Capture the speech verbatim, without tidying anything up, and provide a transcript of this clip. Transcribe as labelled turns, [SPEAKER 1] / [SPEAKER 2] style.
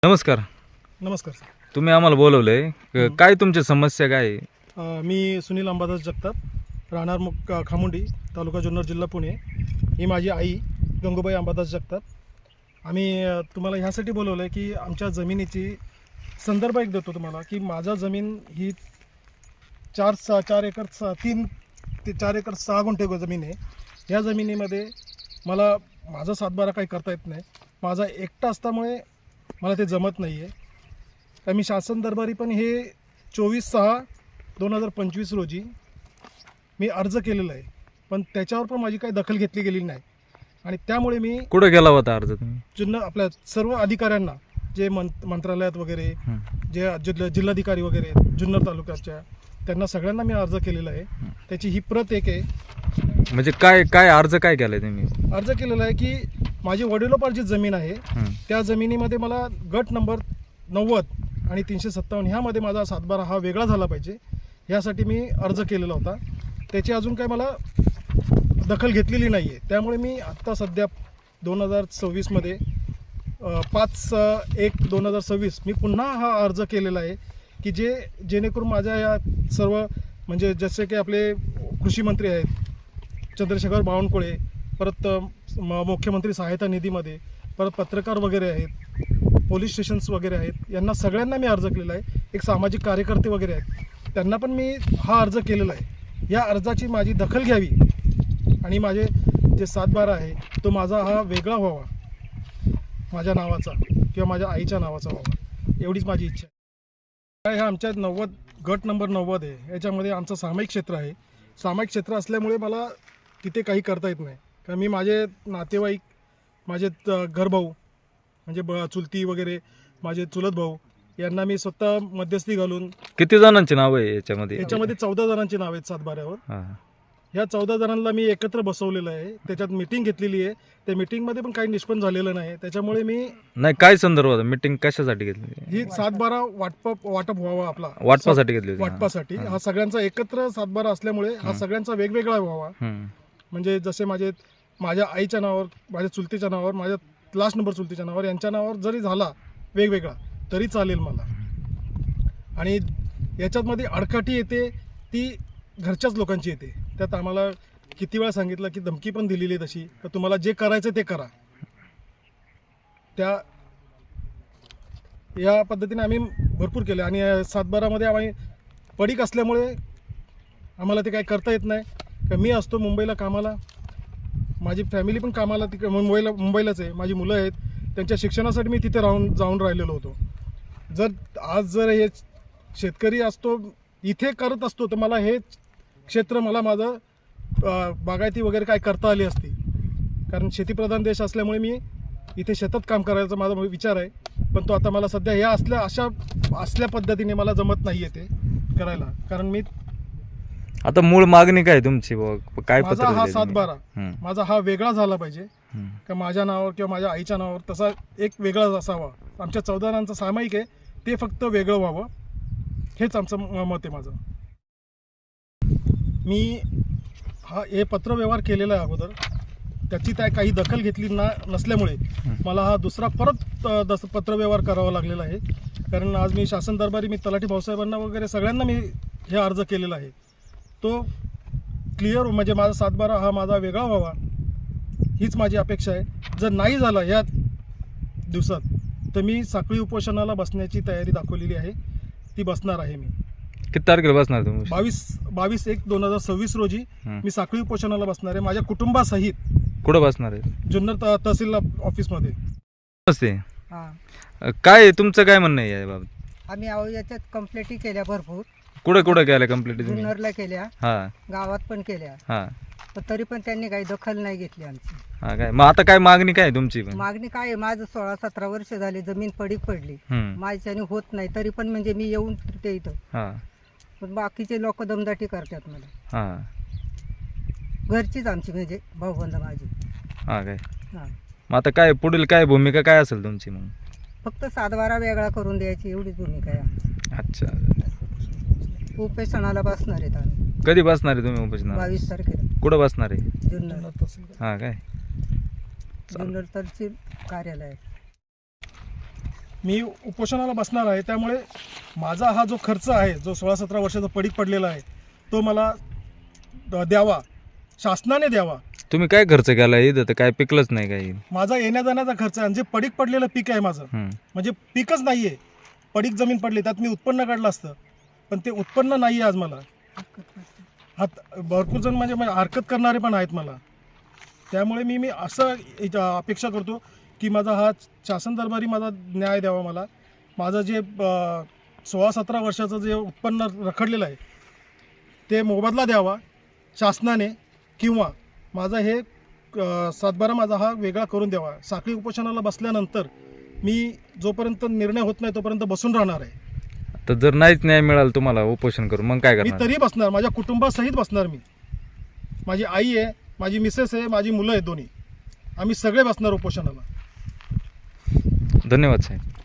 [SPEAKER 1] नमस्कार.
[SPEAKER 2] नमस्कार सर.
[SPEAKER 1] तुम्ही आम्हाला बोलवलंय, काय तुमची समस्या काय आहे?
[SPEAKER 2] अ, मी सुनील अंबादास जगताप, राहणार मुक खामुंडी, तालुका जुन्नर, जिल्हा पुणे. ही माझी आई गंगूबाई अंबादास जगताप. आम्ही अ, तुम्हाला ह्यासाठी बोलवलं आहे की आमच्या जमिनीची संदर्भ एक देतो तुम्हाला की माझा जमीन ही चार सहा चार एकर सहा तीन ते चार एकर सहा गुंठे जमीन आहे. या जमिनीमध्ये मला माझा सातबारा काही करता येत नाही. माझा एकटा असल्यामुळे मला ते जमत नाही आहे. तर मी शासन दरबारी पण हे चोवीस सहा दोन हजार पंचवीस रोजी मी अर्ज केलेला आहे, पण त्याच्यावर पण माझी काही दखल घेतली गेलेली नाही. आणि त्यामुळे मी
[SPEAKER 1] कुठे गेला होता अर्ज तुम्ही?
[SPEAKER 2] जुन्नर आपल्या सर्व अधिकाऱ्यांना, जे मं मंत्रालयात वगैरे, जे जिल्हा जिल्हाधिकारी वगैरे जुन्नर तालुक्याच्या, त्यांना सगळ्यांना मी अर्ज केलेला आहे. त्याची ही प्रत एक आहे.
[SPEAKER 1] म्हणजे काय काय अर्ज काय केलाय तुम्ही?
[SPEAKER 2] अर्ज केलेला आहे की माझी वडिलोपार्जित जमीन आहे, त्या जमिनीमध्ये मला गट नंबर नव्वद आणि तीनशे सत्तावन्न ह्यामध्ये माझा सातबारा हा वेगळा झाला पाहिजे, ह्यासाठी मी अर्ज केलेला होता. त्याची अजून काही मला दखल घेतलेली नाही आहे. त्यामुळे मी आत्ता सध्या दोन हजार सव्वीसमध्ये पाच एक दोन हजार सव्वीस मी पुन्हा हा अर्ज केलेला आहे की जे जेणेकरून माझ्या या सर्व, म्हणजे जसे की आपले कृषी मंत्री आहेत चंद्रशेखर बावनकुळे, परत म मुख्यमंत्री सहायता निधीमध्ये, परत पत्रकार वगैरे आहेत, पोलीस स्टेशन्स वगैरे आहेत, यांना सगळ्यांना मी अर्ज केलेला आहे. एक सामाजिक कार्यकर्ते वगैरे आहेत, त्यांना पण मी हा अर्ज केलेला आहे. या अर्जाची माझी दखल घ्यावी आणि माझे जे सातबारा आहे तो माझा हा वेगळा व्हावा, माझ्या नावाचा किंवा माझ्या आईच्या नावाचा व्हावा, एवढीच माझी इच्छा आहे. ह्या आमच्या नव्वद गट नंबर नव्वद आहे, याच्यामध्ये आमचं सामायिक क्षेत्र आहे. सामायिक क्षेत्र असल्यामुळे मला तिथे काही करता येत नाही, कारण मी माझे नातेवाईक, माझे घरभाऊ म्हणजे ब चुलती वगैरे, माझे चुलत भाऊ, यांना मी स्वतः मध्यस्थी घालून.
[SPEAKER 1] किती जणांची नाव आहे याच्यामध्ये?
[SPEAKER 2] याच्यामध्ये चौदा जणांची नाव आहेत सातबाऱ्यावर. ह्या चौदा जणांना मी एकत्र बसवलेलं आहे, त्याच्यात मीटिंग घेतलेली आहे. त्या मीटिंगमध्ये पण काही निष्पन्न झालेलं नाही. त्याच्यामुळे मी
[SPEAKER 1] नाही, काय संदर्भात मीटिंग कशासाठी घेतली?
[SPEAKER 2] ही सातबारा वाटप वाटप व्हावा, आपला
[SPEAKER 1] वाटपासाठी घेतली?
[SPEAKER 2] वाटपासाठी. हा सगळ्यांचा एकत्र सातबारा असल्यामुळे हा सगळ्यांचा वेगवेगळा व्हावा. म्हणजे जसे माझे माझ्या आईच्या नावावर, माझ्या चुलतीच्या नावावर, माझ्या लास्ट नंबर चुलतीच्या नावावर, यांच्या नावावर जरी झाला वेगवेगळा तरी चालेल मला. आणि याच्यातमध्ये अडकाठी येते ती घरच्याच लोकांची येते. त्यात आम्हाला किती वेळा सांगितलं की धमकी पण दिलेली आहे तशी, तर तुम्हाला जे करायचं ते करा. त्या या पद्धतीने आम्ही भरपूर केलं. आणि सातबारामध्ये आम्ही पडीक असल्यामुळे आम्हाला ते काही करता येत नाही. मी असतो मुंबईला कामाला, माझी फॅमिली पण कामाला तिकडे मुंबईला मुंबईलाच आहे. माझी मुलं आहेत, त्यांच्या शिक्षणासाठी मी तिथे राहून जाऊन राहिलेलो होतो. जर आज जर हे शेतकरी असतो, इथे करत असतो, तर मला हे क्षेत्र, मला माझं बागायती वगैरे काय करता आली असती. कारण शेतीप्रधान देश असल्यामुळे मी इथे शेतात काम करायचा माझा विचार आहे. पण तो आता मला सध्या या असल्या अशा असल्या पद्धतीने मला जमत नाही आहे ते करायला. कारण मी
[SPEAKER 1] आता मूळ मागणी काय तुमची? काय
[SPEAKER 2] माझा हा सातबारा माझा हा वेगळा झाला पाहिजे का माझ्या नावावर किंवा माझ्या आईच्या नावावर तसा एक वेगळाच असावा. आमच्या चौदा जणांचं सामायिक आहे, ते फक्त वेगळं व्हावं, हेच आमचं मत आहे माझं. मी हा हे पत्रव्यवहार केलेला आहे अगोदर, त्याची त्या काही दखल घेतली ना नसल्यामुळे मला हा दुसरा परत दस पत्रव्यवहार करावा लागलेला आहे. कारण आज मी शासन दरबारी, मी तलाठी भाऊसाहेबांना वगैरे सगळ्यांना मी हे अर्ज केलेला आहे. तो क्लिअर, म्हणजे माझा सातबारा हा माझा वेगळा व्हावा, हीच माझी अपेक्षा आहे. जर नाही झाला या दिवसात तर मी साखळी उपोषणाला बसण्याची तयारी दाखवलेली आहे, ती बसणार आहे. मी
[SPEAKER 1] किती तारखेला बसणार तुम्ही?
[SPEAKER 2] बावीस बावीस एक दोन हजार सव्वीस रोजी मी साखळी उपोषणाला बसणार आहे, माझ्या कुटुंबासहित.
[SPEAKER 1] कुठं बसणार आहे?
[SPEAKER 2] जुन्नर तहसील ऑफिसमध्ये.
[SPEAKER 1] नमस्ते. काय तुमचं काय म्हणणं आहे बाबा?
[SPEAKER 3] आम्ही अहो याच्यात कंप्लेंटी केल्या भरपूर.
[SPEAKER 1] कुठे कुठे केल्या कंप्लेंट?
[SPEAKER 3] जुन्नरला केल्या,
[SPEAKER 1] हा,
[SPEAKER 3] गावात पण केल्या,
[SPEAKER 1] हा,
[SPEAKER 3] पण तरी पण त्यांनी काही दखल नाही घेतली आमची.
[SPEAKER 1] हा काय? मग आता काय मागणी काय तुमची?
[SPEAKER 3] मागणी काय आहे, माझं सोळा सतरा वर्ष झाली जमीन पडीक पडली, माझ्याने होत नाही, तरी पण म्हणजे मी येऊन फिरते इथं.
[SPEAKER 1] हा,
[SPEAKER 3] पण बाकीचे लोक दमदाटी करतात मला.
[SPEAKER 1] हा,
[SPEAKER 3] घरचीच आमची, म्हणजे भाऊबंद माझी.
[SPEAKER 1] हा काय?
[SPEAKER 3] हा.
[SPEAKER 1] मग आता काय पुढील काय भूमिका काय असेल तुमची? मग
[SPEAKER 3] फक्त सातबारा वेगळा करून द्यायची, एवढीच भूमिका आहे आमची.
[SPEAKER 1] अच्छा.
[SPEAKER 3] उपेक्षणाला बसणार आहेत आम्ही.
[SPEAKER 1] कधी बसणार आहे तुम्ही उपोषणाला?
[SPEAKER 3] बावीस तारखेला.
[SPEAKER 1] कुठं बसणार आहे?
[SPEAKER 3] जुन्नर.
[SPEAKER 1] हा काय?
[SPEAKER 3] जुन्नर तहसील कार्यालयात.
[SPEAKER 2] मी उपोषणाला बसणार आहे. त्यामुळे माझा हा जो खर्च आहे, जो सोळा सतरा वर्षाचा पडीक पडलेला आहे, तो मला द- द्यावा, शासनाने द्यावा.
[SPEAKER 1] तुम्ही काय खर्च केला इथं तर काय पिकलंच नाही काही.
[SPEAKER 2] माझा येण्या जाण्याचा खर्च आहे आणि जे पडीक पडलेलं पीक आहे माझं,
[SPEAKER 1] हम्म.
[SPEAKER 2] म्हणजे पीकच नाही आहे, पडीक जमीन पडली, त्यात मी उत्पन्न काढलं असतं, पण ते उत्पन्न नाही आहे आज मला. हात भरपूर जण म्हणजे म्हणजे हरकत करणारे पण आहेत मला. त्यामुळे मी मी असं एक अपेक्षा करतो की माझा हा शासन दरबारी माझा न्याय द्यावा. मला माझं जे अ, सोळा सतरा वर्षाचं जे उत्पन्न रखडलेलं आहे ते मोबदला द्यावा शासनाने, किंवा माझा हे अ, सातबारा माझा हा वेगळा करून द्यावा. साखळी उपोषणाला बसल्यानंतर मी जोपर्यंत निर्णय होत नाही तोपर्यंत बसून राहणार आहे.
[SPEAKER 1] तर जर नाहीच न्याय मिळाला तुम्हाला उपोषण करून मग काय
[SPEAKER 2] मी
[SPEAKER 1] करणार?
[SPEAKER 2] तरी बसणार, माझ्या कुटुंबासहित बसणार. मी, माझी आई आहे, माझी मिसेस आहे, माझी मुलं आहेत दोन्ही, आम्ही सगळे बसणार उपोषणाला.
[SPEAKER 1] धन्यवाद साहेब.